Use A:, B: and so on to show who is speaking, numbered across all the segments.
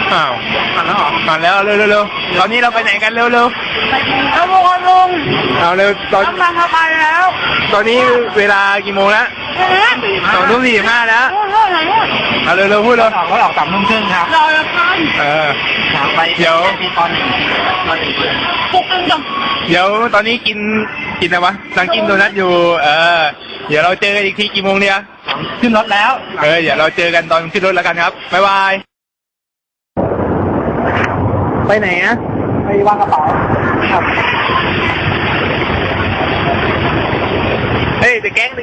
A: อ้าว
B: ผ่านแล้วเหรอ
A: มาแล้วเร็วตอนนี้เราไปไหนกันเร็ว
B: แล้วพวกเราลง
A: เอาเร็วตอน
B: กำลังเข้าไปแล้ว
A: ตอนนี้เวลากี่โมงแล้ว2:45แล้วเอาเร็วพูดเลย
B: เขาออก3:30ครับรอแล้วกัน ไปตอนหนึ่งปุ๊บนึงจัง
A: เดี๋ยวตอนนี้กินอะไรวะสั่งกินโดนัทอยู่เดี๋ยวเราเจอกันอีกทีกี่โมงเนี่ย
B: ขึ้นรถแล้ว
A: เดี๋ยวเราเจอกันตอนขึ้นรถแล้วกันครับบ๊ายบายไปไหนอะ
B: ไปวางกระเป๋าครับ
A: เฮ้ยเดอะแก๊ง
B: ไป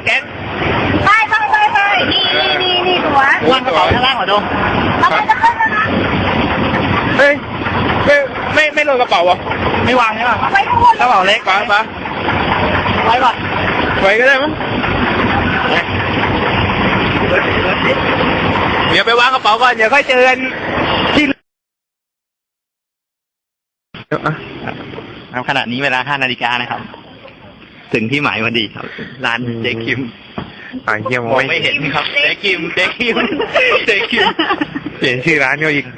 B: นี่ตัววางกระเป๋าข้างล่างเหรอโดมเราไปจะขึ้นแล้วนะ
A: เฮ้ยไม่ลงกระเป๋าอ่ะ
B: ไม่วางใช่ป่ะ
A: ไป
B: กระเป๋าเล็ก
A: ไป
B: ไว้ป่ะ
A: ไว้ก็ได้มั้งเดี๋ยวไปวางกระเป๋าก่อนเดี๋ยวค่อยเจอกันที่
B: ครับขณะนี้เวลา5 นาฬิกานะครับถึงที่หมายพอดีครับร้านเจ๊คิม
A: เยี่ยม
B: ไม่เห็นครับเจ๊คิม
A: เปลี่ยนชื่อร้านก็อีก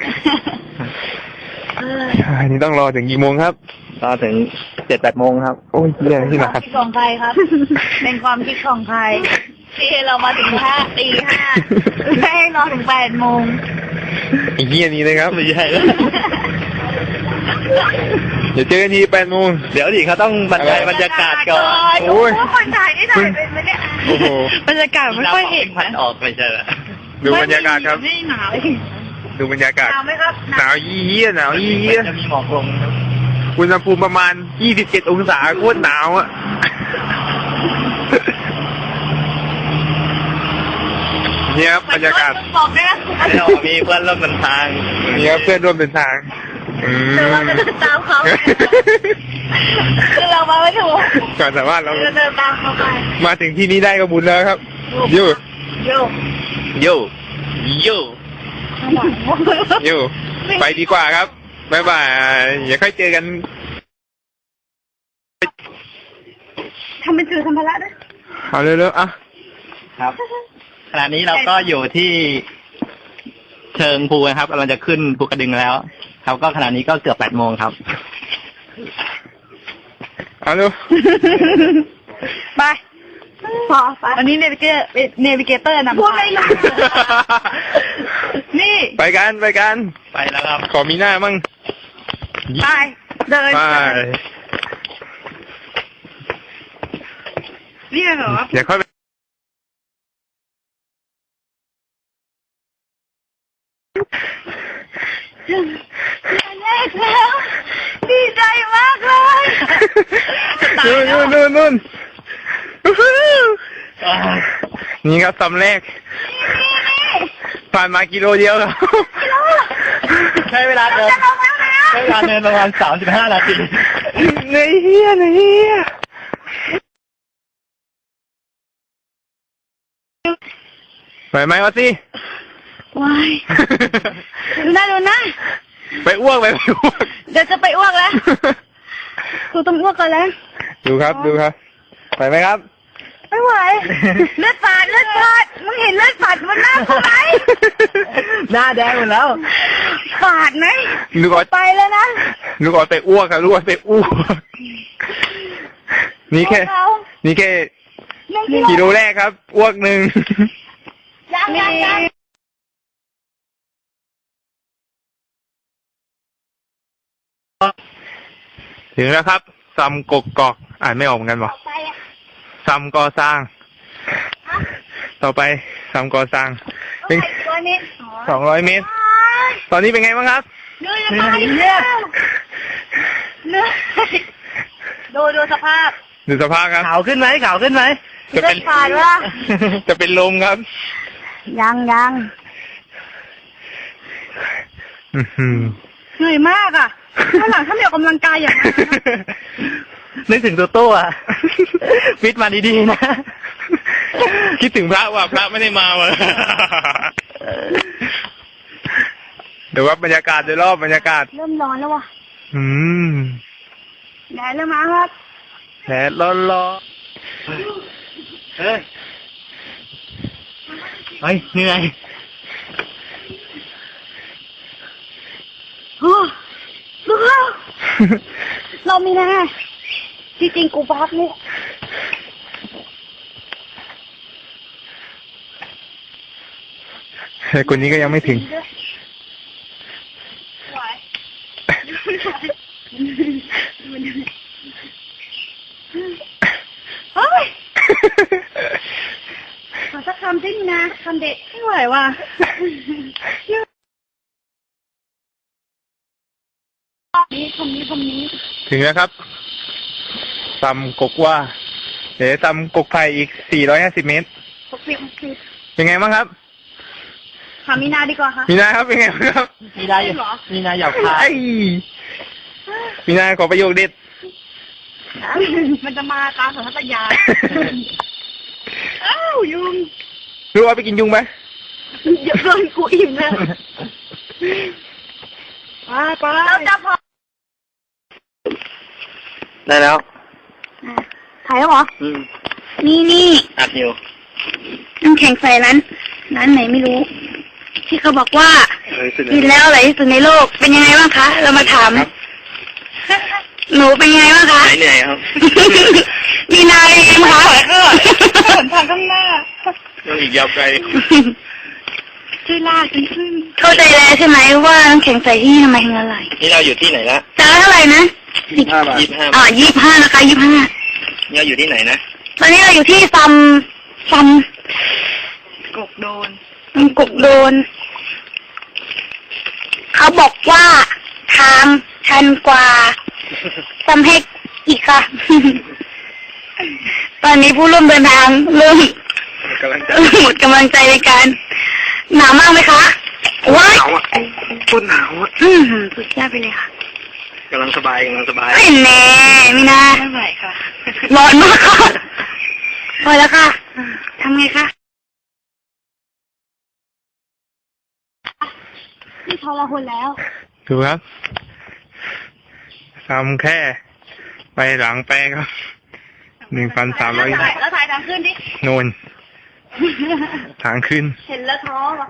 A: อันนี้ต้องรอถึงกี่โมงครับ
B: รอถึง 7-8 โมงครับ
A: โอ้ยเรื่องที่ไหนครับ
C: ของใครครับ เป็นความคิดของใครที่เรามาถึงตี 5ไม่ให้รอถึง8 โมง
A: อีกเยี่ยนี้เลยครับ
B: ไม่ใช่แล้ว
A: เดี๋ยวเจอกันที8 โมง
B: เดี๋ยวดิเขาต้องบรรยายบรรยากาศก่อน
C: โอ้ยคนถ่ายได้ถ่ายเป็นไหมเนี่ยบรรยากาศไม่ค่อยเห็น
B: พันออกไม่ใช่เหรอ
A: ดูบรรยากาศครับ
C: ไม่หนาว
A: ดูบรรยากาศ
C: หนาวไหมครับ
A: หนาวยี่หนาวยี่
B: จะมีหมอกลง
A: อุณหภูมิประมาณ27 องศาโคตรหนาวอ่ะเนี่ยบรรยากาศ
C: บอกได้นะ
B: เรามีเพื่อนร่วมเดินทาง
A: เนี่ยเพื่อนร่วมเดินทาง
C: แต่เราจะเดินตามเขาคือเรามาไม่ถูก
A: ก่อนสามารถเรา
C: เดินตามเขาไป
A: มาถึงที่นี้ได้ก็บุญแล้วครับยูไปดีกว่าครับบ๊ายบายอย่าค่อยเจอกัน
C: ทำเป็นถือธรรมะด้วย
A: เอาเร็วๆอ่ะ
B: ครับขณะนี้เราก็อยู่ที่เชิงภูนะครับกำลังจะขึ้นภูกระดึงแล้วครับก็ขณะนี้ก็เกือบ8 โมงครับ
A: เอาเร็ว
C: ไปพอไปอันนี้เนวิเกเตอร์นำพวกอะไรนะนี่
A: ไปกัน
B: ไปแล้วครับ
A: ขอมีหน้ามั่ง
C: ไปเดิน
A: ไป
C: นี่เหรอ
A: อย่าค่อย
C: แรกแล้วดีใจมากเลย
A: นู่นนี่ครับตำแรกผ่านมากิโลเดียวครับ
B: ใช้เวลาเดินประมาณ35 นาที
A: เฮียไหวไหมวะสิ
C: วายดูนะ
A: ไปอ้วก
C: เดี๋ยวจะไปอ้วกแล้วกูต้องอ้วกก่อนแล้ว
A: ดูครับไหวไหมครับ
C: ไม่ไหวเลือดฝาดมึงเห็นเลือดฝาดบนหน้ากูไหม
B: หน้าแดงหมดแล้ว
C: ฝาดไหมไปแล้วนะ
A: ลูกออดไปอ้วกครับลูกออดไปอ้วกนี่แค่กิโลแรกครับอ้วก1
C: ยัง
A: ถึงแล้วครับซัมกกอกอ่านไม่ออกเหมือนกันวะซัมก่อสร้างต่อไปซัมก่อสร้างเป็น200 เมตรตอนนี้เป็นไงบ้างครับ
C: เหนื่อยดูสภาพ
A: ครับ
B: ขาวขึ้นไหม
A: จะเป็น
C: ผ่านวะ
A: จะเป็นลมครับ
C: ยังเหนื่อยมากอ่ะข้างหลังถ้าไม่ออกกำลังกายอย่างนั้น
B: นึกถึงตัวฟิตมาดีๆนะ
A: คิดถึงพระว่าพระไม่ได้มาเลยเดี๋ยวว่าบรรยากาศโดยรอบบรรยากาศ
C: เริ่มร้อนแล้ววะแดดเริ่มมาครับ
A: แดดร้อน
B: เฮ้ยเหนื่อย
C: เรามีนะจริงๆกูพักนี่
A: แต่คนนี้ก็ยังไม่ถึง
C: ไหวเฮ้ยขอสักคำสินะคำเด็ดไม่ไหวว่ะนี่คำนี้
A: ถึงแล้วครับตำกกว่าเดี๋ยวตำกกไผ่อีก450 เมตร
C: 60
A: เป็นไงบ้างครับ
C: ถามมีนาดีกว่าค่ะ
A: มีนาครับเป็นไงบ้างครับ
B: มีนาอยู่มีนาหยอกคาย
A: ไอ้มีนาขอประโยคเด็ด
C: มันจะมาตามสัญชาตญาณอ้าวยุง
A: รู้ว่าไปกินยุงไหม
C: เยอะเกินกูอิ่มแล้วไปเราจะพอ
B: ได้แล้ว
C: ถ่ายแล้วเหรอ นี่
B: อัดอยู่
C: น้ำแข็งใส่ร้านไหนไม่รู้ ที่เขาบอกว่ากินแล้วอร่อยที่สุดในโลกเป็นยังไงบ้างคะเรามาถามหนูเป็นยังไงบ้างคะ
B: เหนื่อยครับ
C: มีนายเองคะหนทางข้างหน้า
B: ยังอีกยาวไกล
C: ช่วยลากขึ้นเข้าใจแล้วใช่ไหมว่าน้ำแข็งใส่ที่ทำไมถึงอร่อย
B: นี่เราอยู่ที่ไหนละ
C: จานเท่าไหร่นะ
B: 25 บาท
C: 25นะคะ25
B: เราอยู่ที่ไหนนะ
C: ตอนนี้เราอยู่ที่ซัมกกโดน เขาบอกว่าทางชันกว่าซัมเฮกอีกค่ะ ตอนนี้ผู้ร่วมเดินทางเริ่มหมดกำลังใจในการหนาวมากไหมคะว้าย
B: หนาวอ่ะพูดหนาวอ่ะ
C: สุดยอดไปเลยค่ะ
B: กำลังสบาย
C: ไม่แน่ไม่น่าไม่ไหวค่ะร้อนมากค่ะพอแล้วค่ะทำไงคะนี่ทรหดแล้ว
A: ดูครับทำแค่ไปหลังแปลครับ1,300
C: แล้วถ่ายทางขึ้นดิ
A: โน่นทางขึ้น
C: เห็นแล้วท้อว่ะ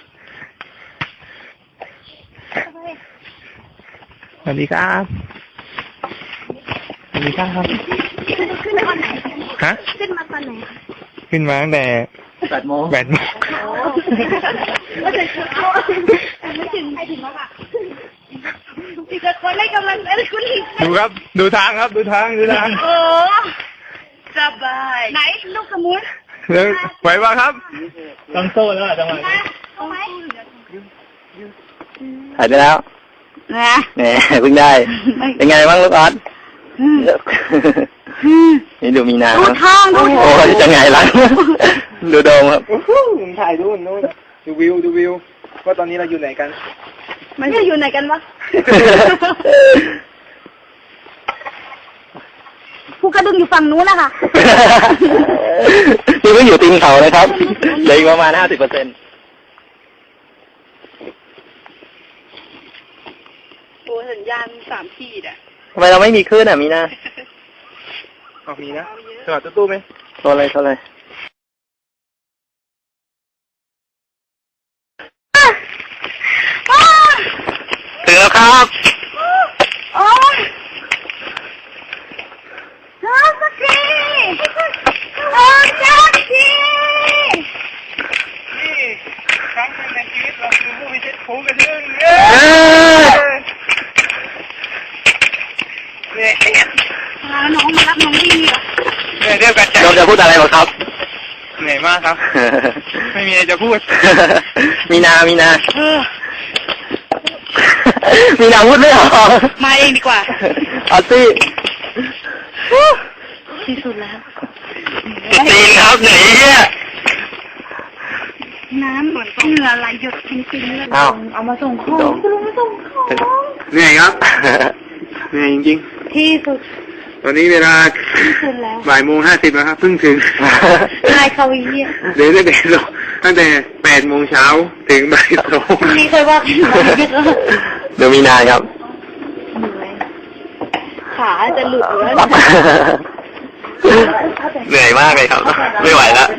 A: สวัสดีครับ สวัสดีครับ
C: ขึ้นมาตอนไหน
A: ฮะ
C: ขึ้นมาตอนไหน
A: ขึ้นมาตั้งแต่
B: 8 โมง
A: 8 โมง
C: ไม่ถึงไม่ถึงใครถึงแล้วค่ะอีกคนให้กำลังใจคุณอีก
A: ดูครับ ดูทางครับ ดูทาง
C: โอ้สบายไหนลูกสมุน
A: เดี๋ยวไหวป่ะครับ
B: ต้องโซ่แล้วจังหวะ
C: เอาไหม
B: ถ่ายไปแล้ว
C: นะ
B: แหมเพิ่งได้ เป็นไงบ้างลูกออสนี่ดูมีนา
C: ดูทางดู
B: โอ้ยจะไงล่ะ ดูโดมครับ
A: ถ่ายดูนู่นดูวิวว่าตอนนี้เราอยู่ไหนกัน
C: มันจะอยู่ไหนกันวะภูกระดึงอยู่ฝั่งนู้นนะคะ
B: นี่ก็อยู่ตีนเขาเลยครับเหลืออีกประมาณ 50%
C: โอ้สัญญาณ3 ขีดอ่ะ
B: ทำไมเราไม่มีคลื่นอ่ะมีนา
A: ออกมีนะจอดตู้ไหม
B: โทรเลย ถึงแล้วครับ
C: โอ้ยสักทีโอ้สักที
A: นี่ครั้งหนึ่งในชีวิตเราคือผู้พิชิตภูกระดึงเนี่ย
C: น้องมารับน้องดีเหรอ
A: เนี่ยเรียกกัน
B: โดมจะพูดอะไรบ้างครับ
A: เหนื่อยมากครับ ไม่มีอะไรจะพูด
B: มีนา มีนาพูดไม่ออก
C: มาเองดีกว่า
B: ออสซี่
C: ที่สุดแล้ว
B: ตีนครับเหนื่อยเนี่ย
C: น้ำเหงื่อไหลหยดจริงๆเลย
B: อ้าว
C: เอามาส่งของคุณลุงมาส่งของ
A: เหนื่อยครับ เหนื่อยจริง
C: ที่สุด
A: ๆ ตอนนี้เวลา
C: ที่สุดแล้ว
A: 13:50แล้วครับ เพิ่งถึง
C: นายเขาอีเนี่ย
A: เดี๋ยวตั้งแต่8 โมงเช้าถึงบ่าย 2
C: มีเคยว่ากันไหม
B: เดี๋ยวมีนาครับ
C: ขาจะหลุดแล้ว
B: เหนื่อยมากเลยครับ ไม่ไหวแล้ว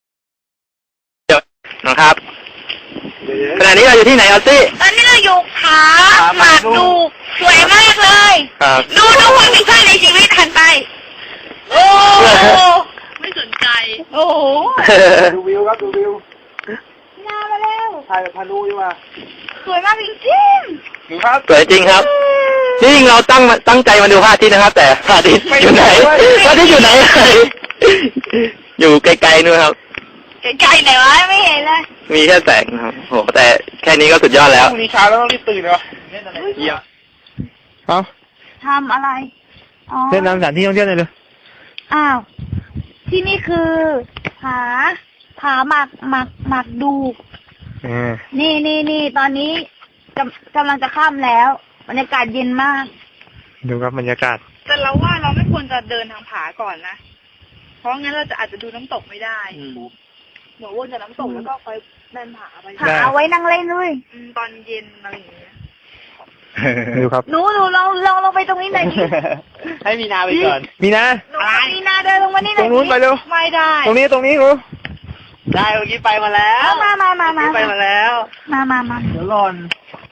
B: เดี๋ยวนะครับขณะนี้เราอยู่ที่ไหนออสซี่
C: ตอนนี้เราอยู่เขาหมากดูสวยมากเลย
A: ครับ
C: ดูความมีค่าในชีวิตหันไป โอ้ไม่สนใจ โอ้โห
B: ดูวิวครับดูวิว
C: งามมาแล้ว
B: ถ่ายแบบพานุดีกว่า
C: สวยมากจริง
B: ดูครับ
A: สวยจริงครับที่จริงเราตั้งใจมาดูพระอาทิตย์นะครับ แต่พระอาทิตย์อยู่ไหนพระอาทิตย์อยู่ไหน อยู่ไกลๆนู่นครับ
C: ๆไกลๆไหนวะไม่เห็นเลย
A: มีแค่แสงนะครับโหแต่แค่นี้ก็สุดยอดแล้ว
B: พรุ่งนี้เช้าแล้วต้องรีบตื่นเหรอเล่นอะไรเยี่ยม
A: เอา
C: ทำอะไร อ๋อ
A: เล่นน้ำสถานที่ท่องเที่ยวหน่อยเลย
C: อ้าว ที่นี่คือผาหมักดู นี่ตอนนี้กำลังจะข้ามแล้ว บรรยากาศเย็นมาก
A: ดูครับบรรยากาศ
D: แต่เราว่าเราไม่ควรจะเดินทางผาก่อนนะ เพราะงั้นเราจะอาจจะดูน้ำตกไม่ได้เหมือนวนจากน้ำตกแล้วก็ไปเดินผาไป
C: ผาเอาไว้นั่งเล่นด้วย
D: ตอนเย็นอะไรอย่างเงี้ย
A: ดูครับ
C: หนูลงไปตรงนี้หน่อยดิ
B: ให้มีนาไปก่อน
A: มีนะ
C: หนูมีนาเดินลงมานี่ห
A: ต
C: น่
A: ร
C: อย
A: งนู้นไปเร็ว
D: ไม่ได้
A: ตรงนี้หนู
B: ได้เมื่อกี้ไปมาแล้ว
C: เอามา
B: ไปมาแล้ว
C: มา
B: เดี๋ยวหล่น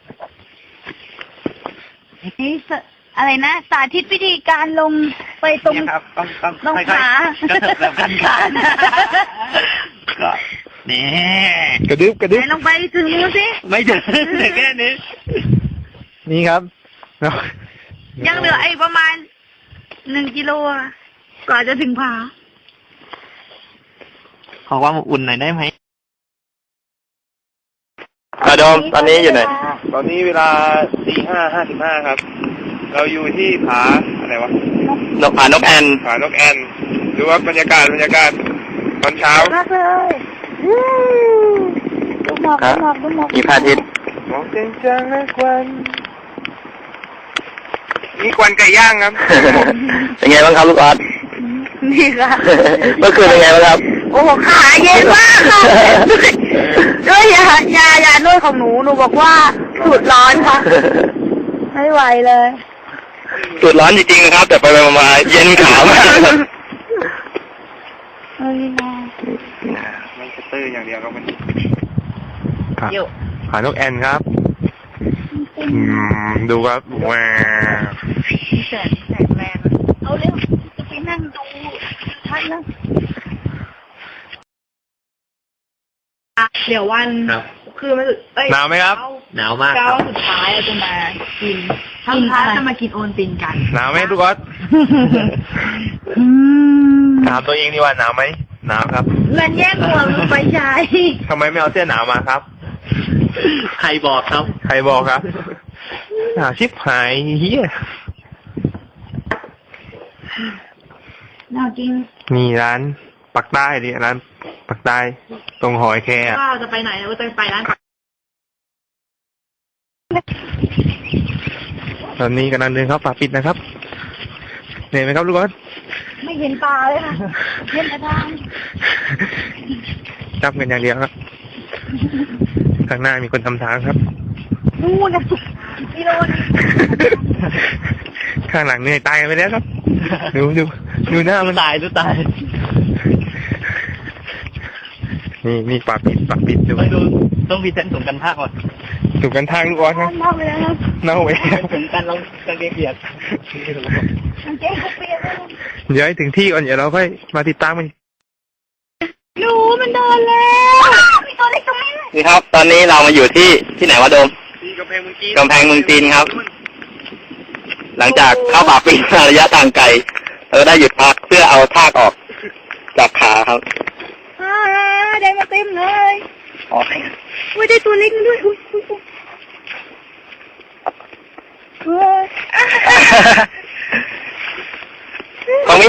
C: นี่อะไรนะสาธิตวิธีการลงไปตรง
B: เนี่ยครับต้อง
C: ลง
B: ค่อย
C: ผา
B: ๆกระเถิบแบบกันก็นี่
A: กระดึบ
C: ไหนลงไปถึงนู้นสิ
B: ไม่ถึงแค่นี้
A: นี่ครับ
C: ยังเหลือไอ้ประมาณ1 กิโลอะกว่าจะถึงผา
B: ขอความอบอุ่นหน่อยได้ไหม
A: โดมตอนนี้อยู่ไหน
B: ตอนนี้เวลา4:55ครับ เราอยู่ที่ผาอะไรวะ
A: ผานกแอ่น
B: ผานกแอ่นดูว่าบรรยากาศตอนเช้าม
C: ากเลยดูหมอก
A: มีพระอาทิตย์
B: มองจังนะควันมีควันไก่ย่างครับ
A: เป็นไงบ้างครับลูกออส
C: นี่ค่ะ
A: เมื่อคืนเป็นไงบ้างครับ
C: โอ้โหขาเย็นมากค่ะด้วยยานวดของหนูบอกว่าสูดร้อนค่ะ ไม่ไหวเลย
A: สุดร้อนจริงๆนะครับ แต่ไปมาเย็นขามากครับ
B: มันจะตื้ออย่างเดียวครับมัน
A: ผานกแอ่นครับ ดูครับว้าว
C: แสงแรงเอาเร็วจะไปนั่งดูท่านนะ
D: เดี๋ยววัน
B: ครับ
D: คือมันเอ้ย
A: หนาวไหมครับ
B: หนาวมาก
D: เช้า
B: ครับ
D: สุดท้ายเราจะมากินทั้งพาจะมากินโอนตินกัน
A: หนาวไหมลูกออสถามตัวเองดีว่าหนาวไหมหนาวครับ
C: เงินแย่งหัวไปใช้
A: ทำไมไม่เอาเสื้อหนาวมาครับ
B: ใครบอกครับ
A: ใครบอกครับหนาวชิบหายเฮีย
C: หนาวจริง
A: มีร้านปักใต้ดิร้านปักใต้ตรงหอยแครง
D: ก็จะไปไหนเราจะไปร้าน
A: ตอนนี้กำลังเดินเข้าป่าปิดนะครับเหนื่อยไหมครับลูกออส
C: ไม่เห็นปลาเลยค่ะเห็นแต่ทาง
A: จับกันอย่างเดียวครับข้างหน้ามีคนทำทางครับ
C: นู่นนะกิโลนึง
A: ข้างหลังเหนื่อยตายกันไปแล้วครับ ดูหน้ามัน
B: ตาย
A: นี่ป่าปิดดู
B: ไม่ดูต้องมีเส้นสูงกันภาคก่อน
A: ถูกกันทางลูกออสครับ
C: มากเลยนะครับ
A: เน่าไปแล้ว
B: ถึงกันลองกางเกงเปียก
C: มันเจ๊เขาเปลี่ยนเลย
A: เดี๋ยวให้ถึงที่ก่อนเดี๋ยวเราค่อยมาติดตามมัน
C: หนูมันโดนแล้วมีตัวเล็กตรงนี้เลย
A: นี่ครับ ตอนนี้เรามาอยู่ที่ไหนวะโดม
B: ที่กำแพงเมืองจีน
A: กำแพงเมืองจีนครับ หลังจากเข้าป่าปิดมาระยะทางไกลเราก็ได้หยุดพักเพื่อเอาทากออกจากขาครับ
C: ได้มาเต็มเลย
A: อ๋อ
C: อุ้ยได้ตัวเล็กด้วยอุ้ย
A: ของ